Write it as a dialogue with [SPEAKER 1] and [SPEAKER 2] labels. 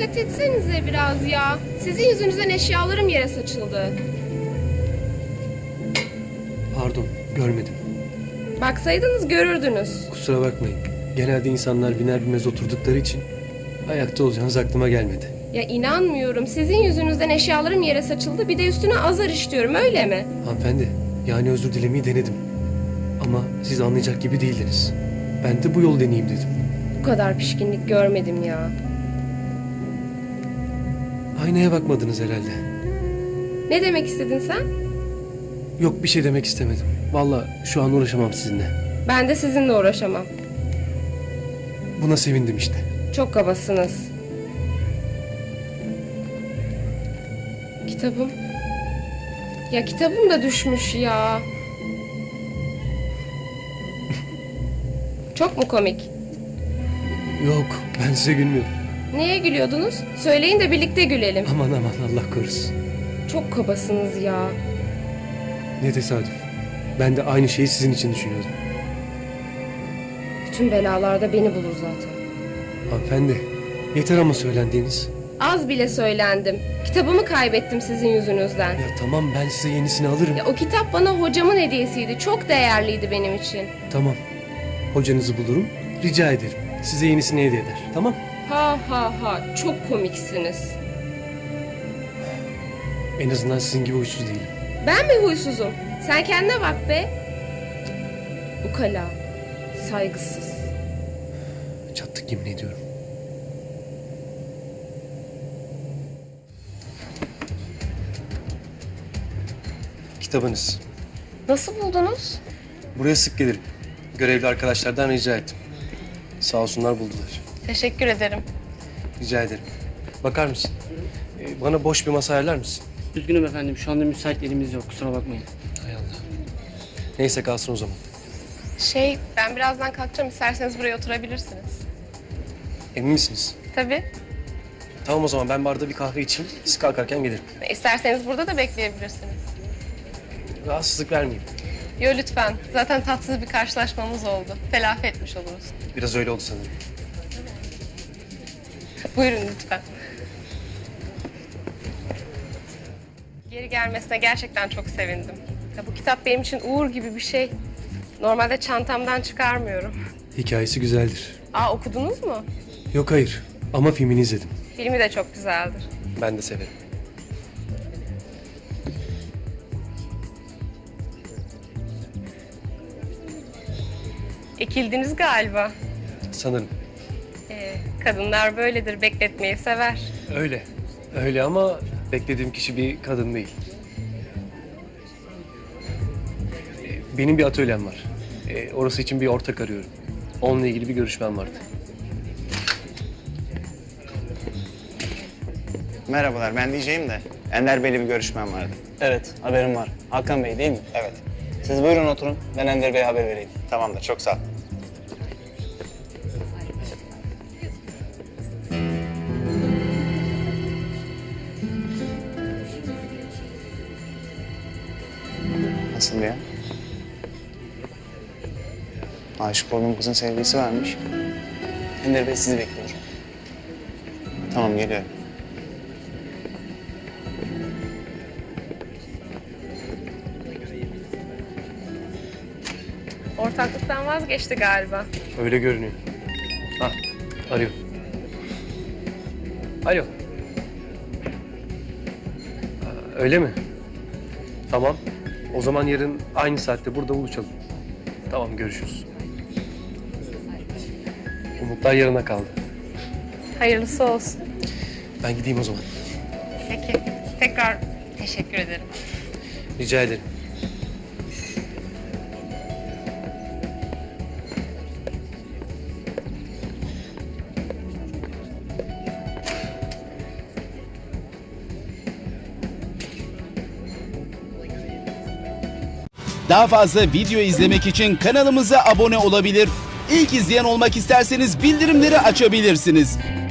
[SPEAKER 1] dikkat etsenize biraz ya. Sizin yüzünüzden eşyalarım yere saçıldı.
[SPEAKER 2] Pardon, görmedim.
[SPEAKER 1] Baksaydınız görürdünüz.
[SPEAKER 2] Kusura bakmayın. Genelde insanlar biner binmez oturdukları için ayakta olacağınız aklıma gelmedi.
[SPEAKER 1] Ya inanmıyorum. Sizin yüzünüzden eşyalarım yere saçıldı. Bir de üstüne azar işliyorum, öyle mi?
[SPEAKER 2] Hanımefendi, yani özür dilemeyi denedim. Ama siz anlayacak gibi değildiniz. Ben de bu yol deneyeyim dedim.
[SPEAKER 1] Bu kadar pişkinlik görmedim ya.
[SPEAKER 2] Aynaya bakmadınız herhalde.
[SPEAKER 1] Ne demek istedin sen?
[SPEAKER 2] Yok, bir şey demek istemedim. Vallahi şu an uğraşamam sizinle.
[SPEAKER 1] Ben de sizinle uğraşamam.
[SPEAKER 2] Buna sevindim işte.
[SPEAKER 1] Çok kabasınız. Kitabım. Ya kitabım da düşmüş ya. Çok mu komik?
[SPEAKER 2] Yok, ben size gülmüyorum.
[SPEAKER 1] Neye gülüyordunuz? Söyleyin de birlikte gülelim.
[SPEAKER 2] Aman aman, Allah korusun.
[SPEAKER 1] Çok kabasınız ya.
[SPEAKER 2] Ne tesadüf. Ben de aynı şeyi sizin için düşünüyordum.
[SPEAKER 1] Bütün belalarda beni bulur zaten.
[SPEAKER 2] Hanımefendi, yeter ama söylendiğiniz.
[SPEAKER 1] Az bile söylendim. Kitabımı kaybettim sizin yüzünüzden.
[SPEAKER 2] Ya tamam, ben size yenisini alırım.
[SPEAKER 1] Ya o kitap bana hocamın hediyesiydi. Çok değerliydi benim için.
[SPEAKER 2] Tamam, hocanızı bulurum, rica ederim. Size yenisini hediye eder, tamam?
[SPEAKER 1] Ha ha ha. Çok komiksiniz.
[SPEAKER 2] En azından sizin gibi huysuz değilim.
[SPEAKER 1] Ben mi huysuzum? Sen kendine bak be. Ukala. Saygısız.
[SPEAKER 2] Çattık, yemin ediyorum. Kitabınız.
[SPEAKER 1] Nasıl buldunuz?
[SPEAKER 2] Buraya sık gelirim. Görevli arkadaşlardan rica ettim. Sağ olsunlar, buldular.
[SPEAKER 1] Teşekkür ederim.
[SPEAKER 2] Rica ederim. Bakar mısın? Bana boş bir masa ayarlar mısın?
[SPEAKER 3] Üzgünüm efendim, şu anda müsait elimiz yok, kusura bakmayın.
[SPEAKER 2] Hay Allah. Neyse, kalsın o zaman.
[SPEAKER 1] Ben birazdan kalkacağım. İsterseniz buraya oturabilirsiniz.
[SPEAKER 2] Emin misiniz?
[SPEAKER 1] Tabii.
[SPEAKER 2] Tamam o zaman, ben barda bir kahve içeyim. Siz kalkarken gelirim.
[SPEAKER 1] İsterseniz burada da bekleyebilirsiniz.
[SPEAKER 2] Rahatsızlık vermeyeyim.
[SPEAKER 1] Yo lütfen. Zaten tatsız bir karşılaşmamız oldu. Telafi etmiş oluruz.
[SPEAKER 2] Biraz öyle oldu sanırım.
[SPEAKER 1] Buyurun lütfen. Geri gelmesine gerçekten çok sevindim. Ya bu kitap benim için uğur gibi bir şey. Normalde çantamdan çıkarmıyorum.
[SPEAKER 2] Hikayesi güzeldir.
[SPEAKER 1] Okudunuz mu?
[SPEAKER 2] Yok, hayır. Ama filmini izledim.
[SPEAKER 1] Filmi de çok güzeldir.
[SPEAKER 2] Ben de severim.
[SPEAKER 1] Ekildiniz galiba.
[SPEAKER 2] Sanırım.
[SPEAKER 1] Kadınlar böyledir, bekletmeyi sever.
[SPEAKER 2] Öyle. Öyle ama beklediğim kişi bir kadın değil. Benim bir atölyem var. Orası için bir ortak arıyorum. Onunla ilgili bir görüşmem vardı.
[SPEAKER 4] Merhabalar, ben diyeceğim de Ender Bey'le bir görüşmem vardı.
[SPEAKER 3] Evet, haberim var. Hakan Bey değil mi?
[SPEAKER 4] Evet,
[SPEAKER 3] Siz buyurun oturun, ben Ender Bey'e haber vereyim.
[SPEAKER 4] tamamdır. Çok sağ ol. Nasıl ya? Aşık olduğum kızın sevgilisi varmış.
[SPEAKER 3] Ender Bey sizi bekliyor.
[SPEAKER 4] Tamam, geliyorum.
[SPEAKER 1] Ortaklıktan vazgeçti galiba.
[SPEAKER 2] Öyle görünüyor. Ha, arıyor. Alo. Öyle mi? Tamam. O zaman yarın aynı saatte burada buluşalım. Tamam, görüşürüz. Umutlar yarına kaldı.
[SPEAKER 1] Hayırlısı olsun.
[SPEAKER 2] Ben gideyim o zaman.
[SPEAKER 1] Peki. Tekrar teşekkür ederim.
[SPEAKER 2] Rica ederim.
[SPEAKER 5] Daha fazla video izlemek için kanalımıza abone olabilir. İlk izleyen olmak isterseniz bildirimleri açabilirsiniz.